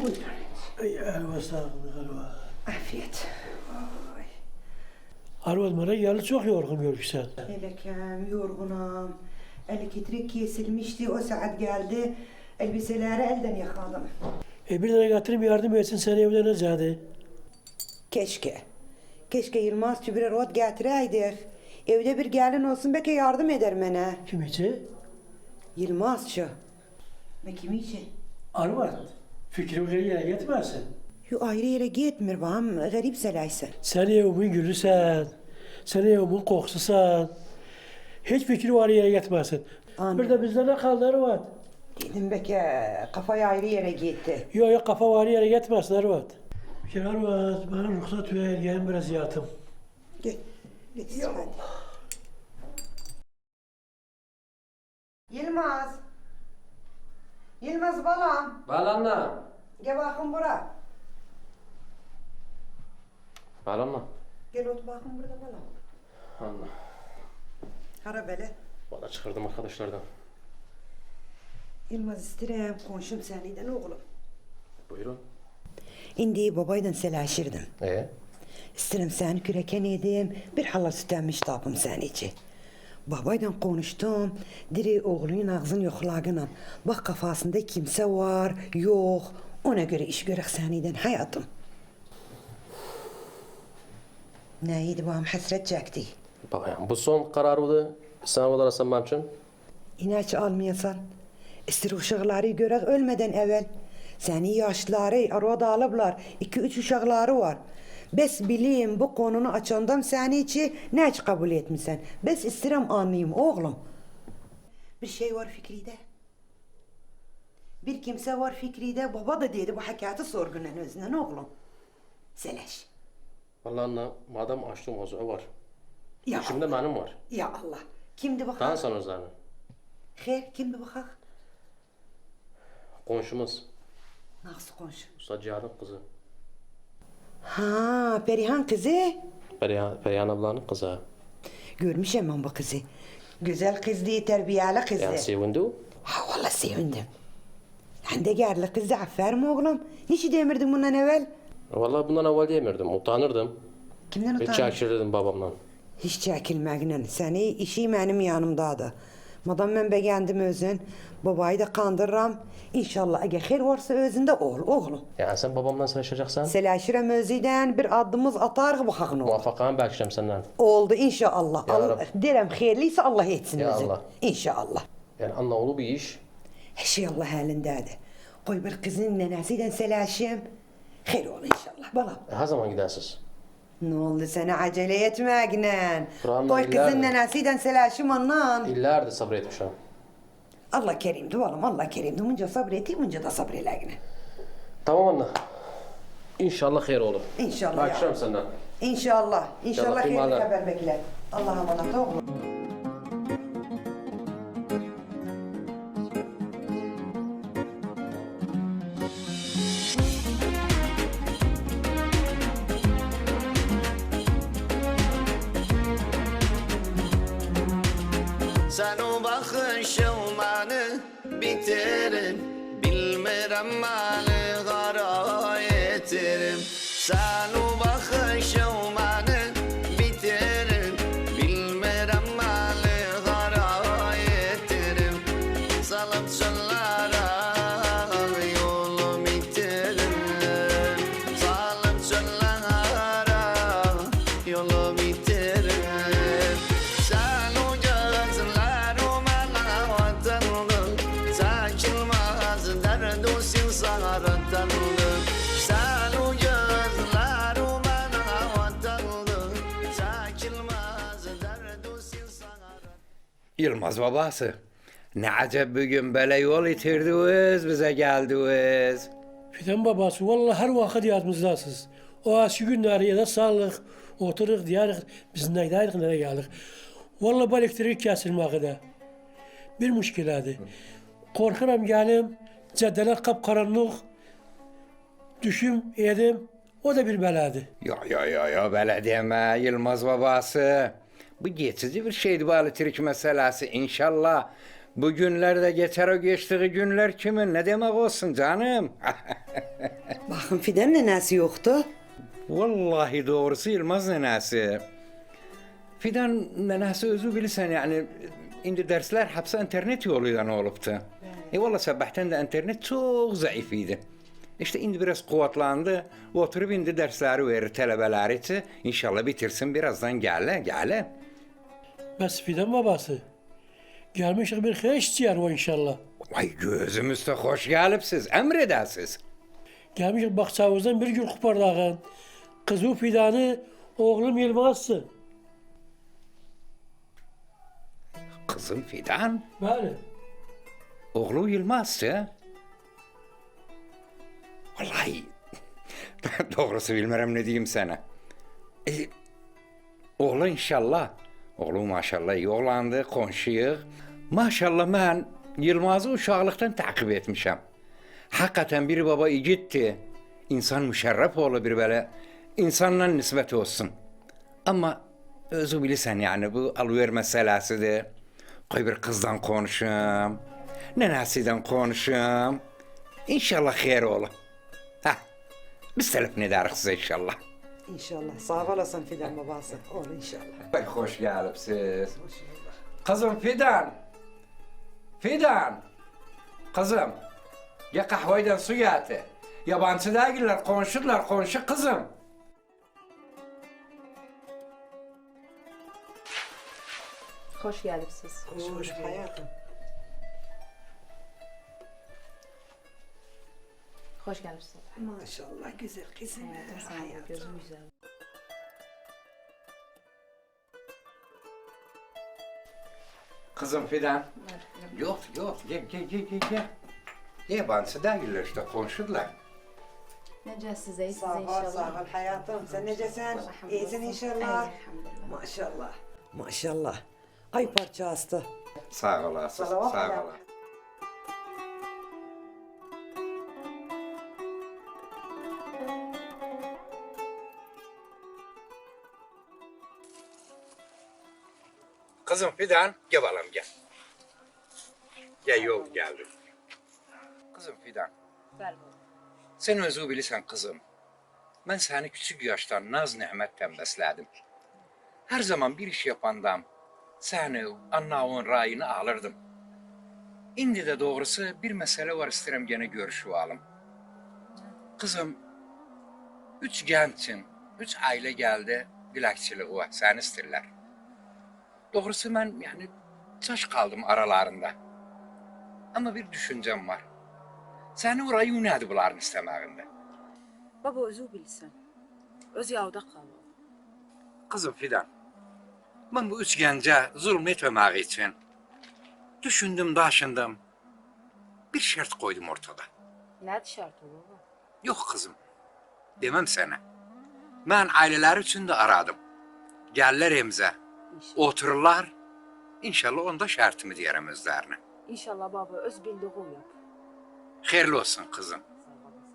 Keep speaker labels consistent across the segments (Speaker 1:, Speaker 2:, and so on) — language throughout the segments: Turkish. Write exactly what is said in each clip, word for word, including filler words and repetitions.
Speaker 1: Buyurun. Ay arva sağlık arva.
Speaker 2: Afiyet. Ay.
Speaker 1: Arva bana geldi çok yorgun görürsen.
Speaker 2: Elekem, yorgunum. Elektrik kesilmişti, o saat geldi. Elbiseleri elden yıkadım.
Speaker 1: E bir tane getirip yardım etsin seni evleneceğiz.
Speaker 2: Keşke. Keşke Yılmaz bir rot getireydik. Evde bir gelin olsun belki yardım eder bana.
Speaker 1: Kim için?
Speaker 2: Yılmazçı. Ne kim için?
Speaker 1: Arva. Fikrim geriye gitmesin.
Speaker 2: Yo ayrı yere gitmir bağım, garip selaysa.
Speaker 1: Sen evimin gülüsen. Sen evimin kokususan. Hiç fikri var yere gitmesin.
Speaker 2: Anladım.
Speaker 1: Bir de bizde ne kaldı Arvat?
Speaker 2: Dedim belki kafayı ayrı yere gitti.
Speaker 1: Yok yok kafa var yere gitmesin Arvat. Bir kere Arvat bana ruhsat ver gelin biraz yatım.
Speaker 2: Git. Git hadi. Yılmaz. Yılmaz balam.
Speaker 3: Balanla.
Speaker 2: Gel bakın bura.
Speaker 3: Balanla.
Speaker 2: Gel otur bakın burada balam.
Speaker 3: Allah.
Speaker 2: Hara böyle.
Speaker 3: Bana çıkardım arkadaşlardan.
Speaker 2: Yılmaz istirem konuşum seniden oğlum.
Speaker 3: Buyurun.
Speaker 2: İndi babaydan selaşırdım.
Speaker 3: Ee?
Speaker 2: İsterim seni küreken edim. Bir hala sütenmiş tapım sen için. Babaydan konuştum. Diri oğlunun ağzını yoklagına. Bak kafasında kimse var, yok. Ona göre iş görek seniden hayatım. Neydi babam hasret çekti.
Speaker 3: Bak yani bu son kararıydı. Sen orada arasam benim için.
Speaker 2: İnaç almayasan. İstir uşakları görek ölmeden evvel. Seni yaşları arada alıplar. İki üç uşakları var. Bes bileyim bu konunu açandan seni içi ne hiç kabul etmişsen. Bes istirem anlayayım oğlum. Bir şey var Fikri'de. Bir kimse var Fikri'de. Baba da dedi bu hakikati sorgulan özünden oğlum. Seleş.
Speaker 3: Vallahi anne madem açtım o var.
Speaker 2: Ya
Speaker 3: İçimde
Speaker 2: Allah.
Speaker 3: benim var.
Speaker 2: Ya Allah. Kimdi bakak?
Speaker 3: Daha sana özlerini.
Speaker 2: He, kimdi bakak?
Speaker 3: Komşumuz.
Speaker 2: Nasıl konuşuyor?
Speaker 3: Usta Cihan'ın kızı.
Speaker 2: Ha, Perihan kızı.
Speaker 3: Perihan, Perihan ablanın kızı.
Speaker 2: Görmüşüm ben bu kızı. Güzel kızdı, terbiyeli kızdı.
Speaker 3: Yani sevindi o.
Speaker 2: Ha vallahi sevindim. Sen de gerli kızdı, aferin oğlum. Niçin demirdin bundan evvel?
Speaker 3: Vallahi bundan evvel diyemirdim. Utanırdım.
Speaker 2: Kimden
Speaker 3: Ve
Speaker 2: utandın?
Speaker 3: çekişirdim babamdan.
Speaker 2: Hiç çekilmekle. Seni işi benim yanımdadı. Madem ben beğendim özün, babayı da kandırıram. İnşallah eğer hayır varsa özünde ol oğlum.
Speaker 3: Yani sen babamdan savaşacaksan
Speaker 2: Selaşirem özüden bir adımız atar bu hakkın olur.
Speaker 3: muvaffakanı beklerim senden.
Speaker 2: Oldu inşallah.
Speaker 3: Ya
Speaker 2: Allah,
Speaker 3: Rabbi.
Speaker 2: derem hayırlıysa Allah etsin
Speaker 3: Ya
Speaker 2: özün.
Speaker 3: Allah.
Speaker 2: İnşallah.
Speaker 3: Yani anne oğlu bir iş.
Speaker 2: Her şey Allah halindedir. Koy bir kızın nenesiyle selaşım. Hayır ol inşallah balam.
Speaker 3: E, her zaman gidersiz.
Speaker 2: Ne oldu sana acele etmekle?
Speaker 3: Kur'an'la
Speaker 2: Koy
Speaker 3: iller
Speaker 2: kızın
Speaker 3: mi?
Speaker 2: nenesiyle selaşım ondan.
Speaker 3: İllerdir sabretmişim.
Speaker 2: Allah kerimdi oğlum Allah kerimdi. Bunca sabreteyim bunca da sabreleğine.
Speaker 3: Tamam anne. İnşallah hayır olur.
Speaker 2: İnşallah ya.
Speaker 3: Bakacağım senden.
Speaker 2: İnşallah. İnşallah
Speaker 3: İnşallah,
Speaker 2: hayırlı
Speaker 3: imanla.
Speaker 2: haber bekler. Allah'a emanet oğlum.
Speaker 4: Sen o bakışılmanı bitirin. Bilmirem mani kara yetirim. Sen o bakışılmanı bitirin. Bilmirem mani kara yetirim. Salıp çöllara yolu bitirin. Salıp çöllara yolu bitirin. Sen o gözlerim bana vatanlı. Saçılmaz derdu sinsarattanlı. Sen o gözlerim bana vatanlı. Saçılmaz derdu sinsarattanlı.
Speaker 5: Yılmaz babası. Ne acep bugün böyle yol itirdiniz, bize geldiniz.
Speaker 1: Fidan babası vallahi her vakit yadımızdasınız. O aşı günleri ya da sağlık oturup diyarık biz neydeydik nereye geldik. Vallahi bu elektrik kesilmekte. Bir müşkiladı. Korkuram gelim, caddeler kapkaranlık. Düşüm edim, o da bir beladı.
Speaker 5: Ya ya ya ya böyle deme Yılmaz babası. Bu geçici bir şeydi bu elektrik meselesi inşallah. Bu günlerde geçer o geçtiği günler kimin ne demek olsun canım?
Speaker 2: Bakın Fidan nenesi yoktu.
Speaker 5: Vallahi doğrusu Yılmaz nenesi. Fidan nenesi özü bilirsen yani indi dersler hepsi internet yoluyla oluptu. E valla sabahtan da internet çok zayıf idi. İşte indi biraz kuvvetlendi. Oturup indi dersleri verir talebeler için. İnşallah bitirsin birazdan gele gele.
Speaker 1: Bəs Fidan babası. Gelmişik bir xeş içer o inşallah.
Speaker 5: Vay gözümüzde hoş gelipsiz, emredəsiz.
Speaker 1: Gelmişik bakçavuzdan bir gül kupardağın. Kızı Fidan'ı oğlum Yılmaz'sın.
Speaker 5: Kızım Fidan,
Speaker 1: Bəli.
Speaker 5: oğlu Yılmaz'sı. Vallahi doğrusu bilmirəm ne diyeyim sana. E, oğlu inşallah. Oğlu maşallah iyi oğlandı, konşuyuq. Maşallah mən Yılmaz'ı uşaqlıqdan takip etmişəm. Hakikaten bir baba igiddi. İnsan müşerref oğlu bir böyle insanla nisbet olsun. Ama özü bilirsən yani bu alıver meselesidir. Koy bir kızdan konuşum. Nenesinden konuşum. İnşallah xeyir olur. Heh, biz telefon ederiz size inşallah.
Speaker 2: İnşallah. Sağ olasın Fidan babası. Ol inşallah.
Speaker 5: Pek hoş gelipsiz. Kızım Fidan. Fidan. Kızım. Ya kahveden su getir. Yabancı değiller, konuşurlar, konuşu kızım.
Speaker 6: Hoş geldiniz.
Speaker 2: Hoş hoş hayatım.
Speaker 6: Hoş geldiniz.
Speaker 2: Maşallah güzel kızım. Hayatım.
Speaker 6: Gözüm güzel.
Speaker 5: Kızım Fidan. Yok yok gel gel gel gel gel. Yabancı değiller işte konuşurlar.
Speaker 6: Nece size, size
Speaker 2: Sağ ol,
Speaker 6: inşallah.
Speaker 2: sağ ol hayatım. Sen necesin? İyisin inşallah.
Speaker 6: Elhamdülillah.
Speaker 2: Maşallah. Maşallah. Ay parça hasta.
Speaker 5: Sağ olasın, sağ
Speaker 2: Salavat
Speaker 5: olasın.
Speaker 2: ala.
Speaker 5: Kızım Fidan, gel bakalım gel. Gel yol geldim. Kızım Fidan,
Speaker 6: Ver
Speaker 5: sen özü bilirsən kızım. Ben seni küçük yaştan naz nimetten besledim. Her zaman bir iş yapandam, seni, annavın rayını alırdım. İndi de doğrusu bir mesele var isterim gene görüşüvalım. Kızım, üç gençin, üç aile geldi, dilekçiliği var, seni isterler. Doğrusu ben yani çaş kaldım aralarında. Ama bir düşüncem var. Seni orayı unadı bunların istemeğinde.
Speaker 6: Baba özü bilsin. Öz yavda kalma.
Speaker 5: Kızım Fidan, ben bu üç gence zulmetmemek için düşündüm, daşındım. Bir şart koydum ortada.
Speaker 6: Ne şartı baba?
Speaker 5: Yok kızım, demem sana. Ben aileler için de aradım. Gelirler emze,
Speaker 6: İnşallah.
Speaker 5: otururlar. İnşallah onda şartımı diyerem özlerine.
Speaker 6: İnşallah baba öz bildiği yap.
Speaker 5: Hayırlı olsun kızım.
Speaker 6: Sağ olasın.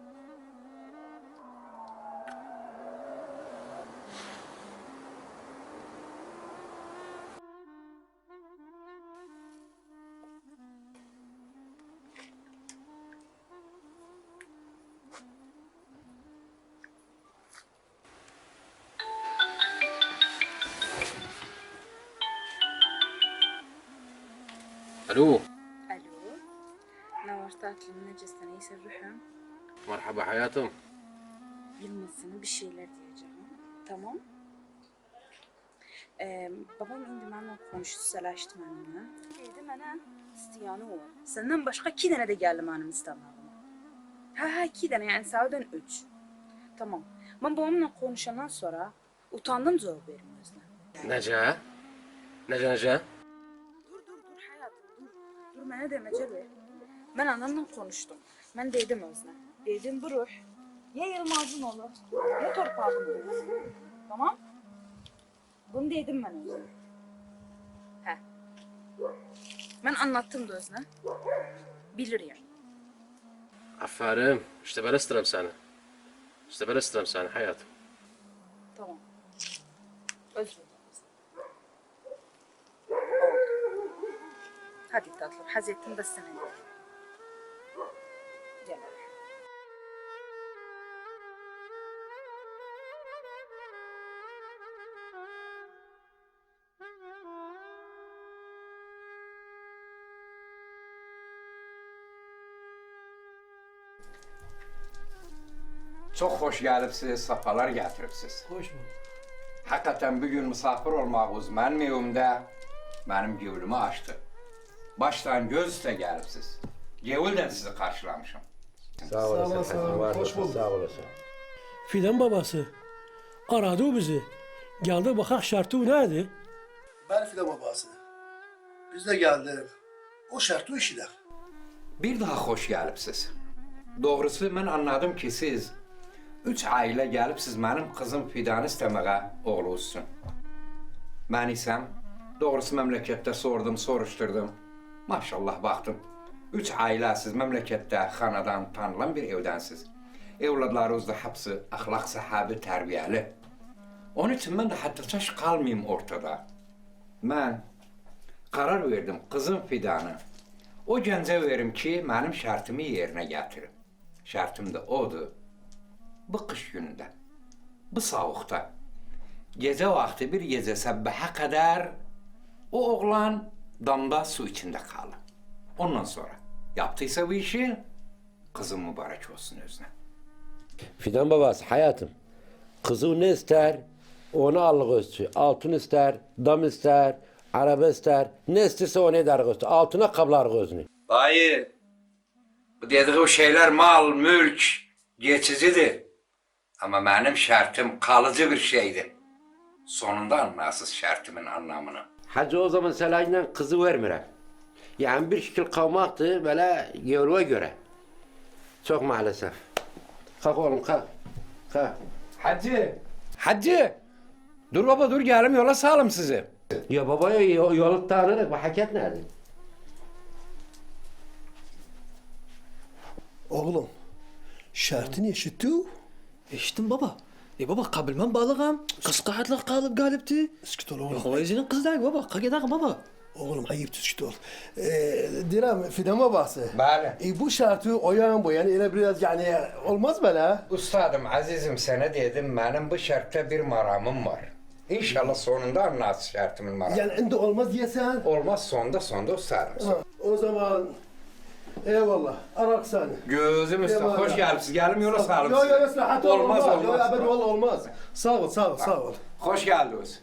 Speaker 3: الو
Speaker 6: Alo. Ne var tatlım necesin iyisi ruhum?
Speaker 3: مرحبا حياتم.
Speaker 6: Yılmaz'ına bir şeyler diyeceğim. Tamam. Ee, babam indi benimle konuştu, selaştı benimle. Dedi bana istiyanı var. Senden başka iki tane de geldi benim istemem. Ha ha iki tane yani sağdan üç. Tamam. Ben babamla konuşandan sonra utandım cevap vermem özle.
Speaker 3: نجاة نجاة نجاة
Speaker 6: Dur dur dur hayatım dur. Dur bana demece ver. Ben anamla konuştum. Ben dedim özle. Dedim bu ruh ya Yılmaz'ın olur ya torpağın olur. Tamam? Bunu dedim ben özle. He. Ben anlattım da özle. Bilir yani.
Speaker 3: عفارم اشتبه استلم سنة اشتبه استلم سنة حياتم.
Speaker 6: Tamam. Özür dilerim. Hadi tatlım. Haz ettim de sana. Gel.
Speaker 5: Çok hoş gelipsiz, safalar getiripsiz.
Speaker 1: Hoş bulduk.
Speaker 5: Hakikaten bir gün misafir olmağınız benim evimde benim gevlümü açtı. Baştan göz üste gelipsiz. Gevulden sizi karşılamışım.
Speaker 7: Sağ olasın. Hoş bulduk. Sağ olasın.
Speaker 1: Fidan babası aradı o bizi. Geldi bakak şartı neydi?
Speaker 8: Ben Fidan babası. Biz de geldik. O şartı işidir.
Speaker 5: Bir daha hoş gelipsiz. Doğrusu ben anladım ki siz üç aile gelipsiz benim kızım Fidan'ı istemeye oğluzsun. Ben isem doğrusu memlekette sordum, soruşturdum. Maşallah baktım. Üç ailesiz memlekette hanadan tanılan bir evdensiz. Evladlarınız da hepsi ahlak sahibi, terbiyeli. Onun için ben de hatta taş kalmayayım ortada. Ben karar verdim kızım Fidan'ı o gence verim ki benim şartımı yerine getirin. Şartım da odur. Bu kış gününde, bu soğukta, gece vakti bir gece sabbaha kadar o oğlan damda su içinde kalır. Ondan sonra yaptıysa bu işi kızım mübarek olsun özüne.
Speaker 7: Fidan babası hayatım. Kızı ne ister? Onu al göster. Altın ister, dam ister, araba ister. Ne isterse onu eder göster. Altına kablar gözünü.
Speaker 5: Dayı, bu dediği şeyler mal, mülk, geçicidir. Ama benim şartım kalıcı bir şeydi. Sonunda anlarsız şartımın anlamını.
Speaker 7: Hacı o zaman selayla kızı vermirem. Yani bir şekil kalmaktı böyle gevluğa göre. Çok maalesef. Kalk oğlum kalk. Kalk.
Speaker 5: Hacı, hacı. Dur baba dur gelim yola sağlam sizi.
Speaker 7: Ya babaya yolu tanırız. Bu hakikat nerede?
Speaker 8: Oğlum, şartını eşitti o.
Speaker 9: Eşittim baba. E baba kabilmem balığam. Kız kahatla kalıp galipti.
Speaker 8: Sıkıt ol oğlum.
Speaker 9: Yok vayzinin kız değil baba. Kagedak baba.
Speaker 8: Oğlum ayıp sıkıt ol. Ee, Direm Fidan babası.
Speaker 5: Bale.
Speaker 8: E, bu şartı oyan boyan öyle biraz yani olmaz mı la?
Speaker 5: Ustadım, azizim sana dedim benim bu şartta bir maramım var. İnşallah sonunda anlarsın şartımın maramı.
Speaker 8: Yani indi olmaz diyesen.
Speaker 5: Olmaz sonda sonda ustadım.
Speaker 8: Ha, o zaman eyvallah. Arak seni.
Speaker 5: Gözüm üstüne
Speaker 8: Eyvallah.
Speaker 5: hoş geldiniz. Gelin yola sağlam.
Speaker 8: Yok yok yok rahat ol,
Speaker 5: Olmaz
Speaker 8: olmaz.
Speaker 5: olmaz.
Speaker 8: Yok, olmaz. olmaz. Sağ ol sağ ol sağ ol.
Speaker 5: Hoş geldiniz.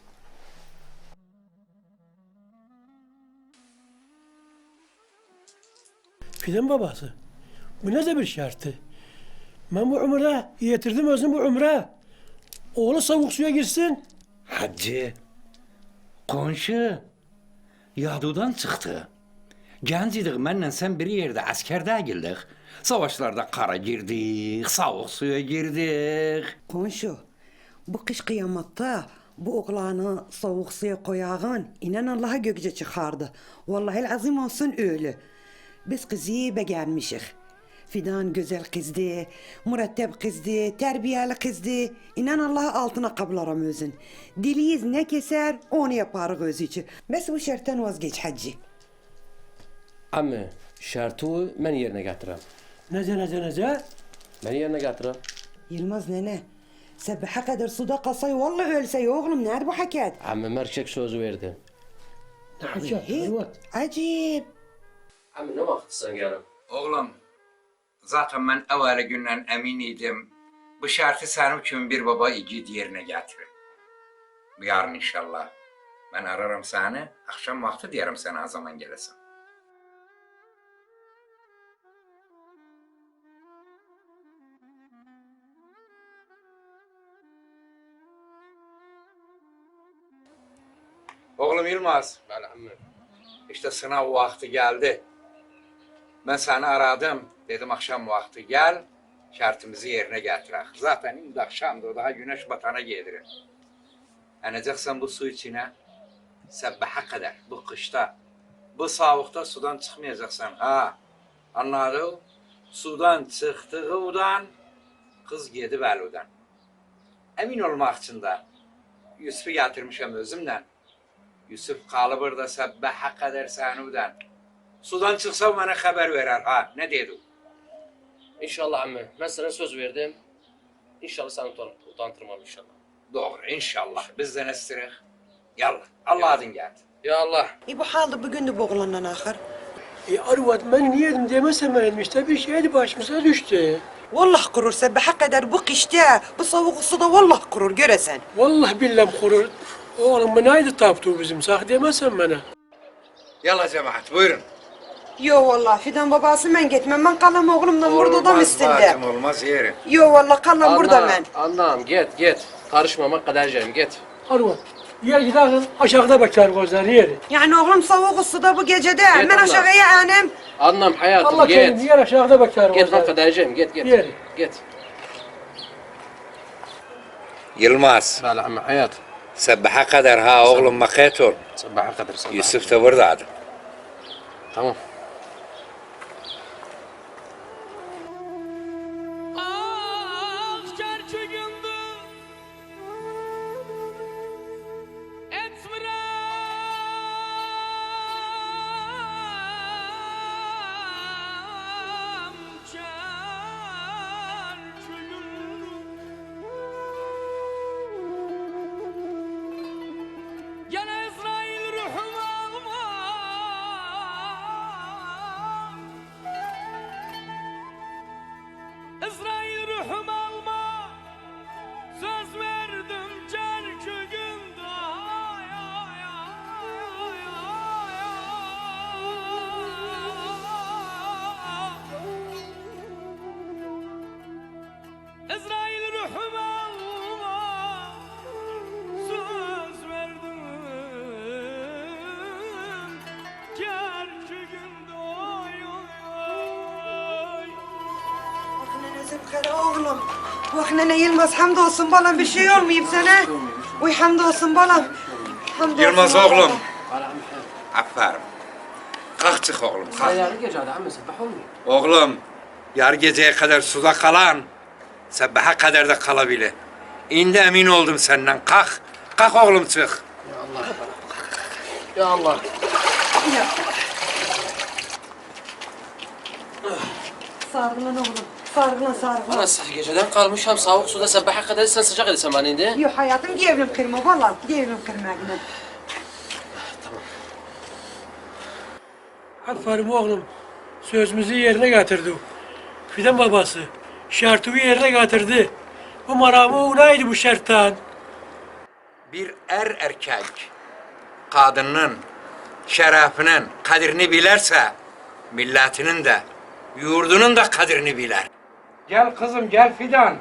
Speaker 1: Fidan babası. Bu ne de bir şartı? Ben bu ömre yetirdim özüm bu ömre. Oğlu soğuk suya girsin.
Speaker 5: Hacı, konşu, yadudan çıktı. Genç idik, benle sen bir yerde askerde girdik. Savaşlarda kara girdik, soğuk suya girdik.
Speaker 2: Konşu, bu kış kıyamatta bu oğlanı soğuk suya koyağın inan Allah'a gökçe çıkardı. Vallahi azim olsun öyle. Biz kızı beğenmişik. Fidan güzel kızdı, mürettep kızdı, terbiyeli kızdı. İnan Allah'a altına kablarım özün. Diliyiz ne keser onu yapar göz için. Bes bu şarttan vazgeç hacı.
Speaker 7: Ama şartı ben yerine getirem.
Speaker 1: Nece nece nece?
Speaker 7: Ben yerine getirem.
Speaker 2: Yılmaz nene, sabaha kadar suda kalsay vallahi ölsey oğlum nerede bu hakikat?
Speaker 7: Ama merkek sözü verdim.
Speaker 1: Ne hakikat?
Speaker 2: He,
Speaker 1: Hırvat.
Speaker 2: acip.
Speaker 7: Ama ne vakit sen gelin?
Speaker 5: Oğlum, zaten ben evveli günden eminiydim. Bu şartı senin için bir baba igid yerine getirir. Yarın inşallah. Ben ararım seni, akşam vakti diyelim sana o zaman gelesin. Oğlum Yılmaz. İşte sınav vakti geldi. Ben seni aradım. Dedim akşam vakti gel. Şartımızı yerine getirek. Zaten indi akşamdır. Daha güneş batana gelirir. Eneceksen bu su içine sabbaha kadar bu kışta bu soğukta sudan çıkmayacaksan. Ha anladın? Sudan çıktığından kız gidip eludan. Emin olmak için de Yusuf'u getirmişim özümden. Yusuf kalı burada sabbaha kadar senudan. Sudan çıksa bana haber verer ha. Ne dedi?
Speaker 10: İnşallah amme. Ben sana söz verdim. İnşallah seni utan utandırmam inşallah.
Speaker 5: Doğru inşallah. Biz de ne istedik? Yallah. Allah adın geldi.
Speaker 10: Ya Allah.
Speaker 2: E bu halde bugün de bu oğlandan ahır.
Speaker 1: E Arvat ben niye yedim demesem benim işte bir şeydi başımıza düştü.
Speaker 2: Vallahi kurur sabaha kadar bu kışta, bu soğuk suda vallahi kurur göresen.
Speaker 1: Vallahi billahi kurur. Oğlum bu neydi taptı bizim? Sak demezsen bana.
Speaker 5: Yalla cemaat buyurun.
Speaker 2: Yo vallahi Fidan babası ben gitmem. Ben kalam oğlumla burada da üstünde.
Speaker 5: bacım, olmaz yerim.
Speaker 2: Yo vallahi kalam burada ben.
Speaker 10: Anlam git git. Karışmamak kadercem git.
Speaker 1: Arva. Yer gidersin aşağıda bakar gözler yeri.
Speaker 2: Yani oğlum soğuk suda bu gecede. Ben
Speaker 10: Allah.
Speaker 2: aşağıya anem.
Speaker 10: Anlam hayatım
Speaker 1: Allah kerim
Speaker 10: git.
Speaker 1: yer aşağıda bakar
Speaker 10: Git lan
Speaker 1: gözler.
Speaker 10: kadercem git git.
Speaker 1: Yeri.
Speaker 10: Git.
Speaker 5: Yılmaz.
Speaker 10: Bala amma hayat.
Speaker 5: Sabaha kadar ha oğlum makayet ol.
Speaker 10: Sabaha kadar sabah.
Speaker 5: Yusuf da buradaydı.
Speaker 10: Tamam.
Speaker 11: İsrail ruhum alma, söz verdim çarşı günde. Ay, ay, ay, ay, ay. İsrail ruhum alma, söz verdim çarşı günde. Ay, ay, ay.
Speaker 2: Vaknene Zülkara oğlum. Vaknene Yılmaz hamdolsun balam bir şey olmayayım sana. Uy hamdolsun balam. Hamdolsun
Speaker 5: Yılmaz
Speaker 2: balam.
Speaker 5: oğlum.
Speaker 10: Bala amma hayat.
Speaker 5: Aferin. Kalk çık oğlum kalk.
Speaker 10: Hayal gece hadi amma sabah olmuyor.
Speaker 5: Oğlum yar geceye kadar suda kalan sabaha kadar da kalabilir. İndi emin oldum senden. Kalk. Kalk oğlum çık.
Speaker 10: Ya Allah. Ya Allah.
Speaker 2: Sargılan oğlum. Sargılan sargılan.
Speaker 10: Nasıl geceden kalmış hem soğuk suda sabaha kadar sen sıcak edesen bana indi.
Speaker 2: Yok hayatım gevrim kırma vallahi gevrim kırma yine.
Speaker 1: Aferin oğlum. Sözümüzü yerine getirdi. Fidan babası. Şartımı yerine getirdi. Bu maramı unaydı bu şarttan.
Speaker 5: Bir er erkek kadının şerefinin kadrini bilerse milletinin de yurdunun da kadrini biler. Gel kızım gel Fidan.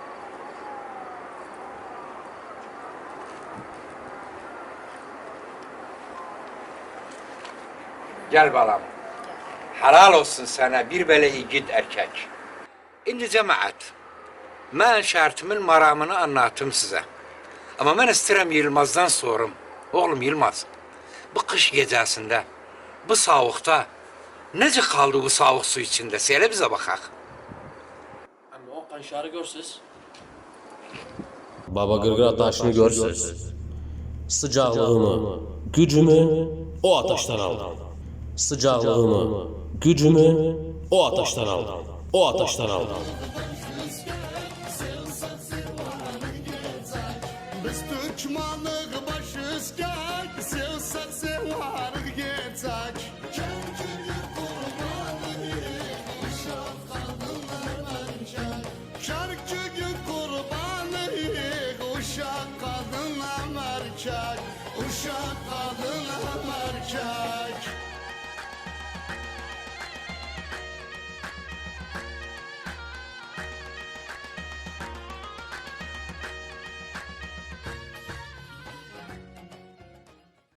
Speaker 5: Gel balam. Helal olsun sana bir böyle yiğit erkek. Şimdi cemaat, ben şartımın maramını anlattım size. Ama ben isterim Yılmaz'dan sorum. Oğlum Yılmaz, bu kış gecesinde, bu soğukta, nece kaldı bu soğuk su içinde? Söyle bize bakak.
Speaker 10: Ama o kanşarı görsüz.
Speaker 3: Baba gırgır taşını görsüz. Sıcaklığımı, gücümü o ateşten aldım. Sıcaklığımı, gücümü o ateşten aldım. O ateşten aldım.
Speaker 11: Biz Türkmenlik başızken, sevsek sevarık geçek. Şarkıcı kurbanı, uşak kadınla merkek, uşak kadınla merkek.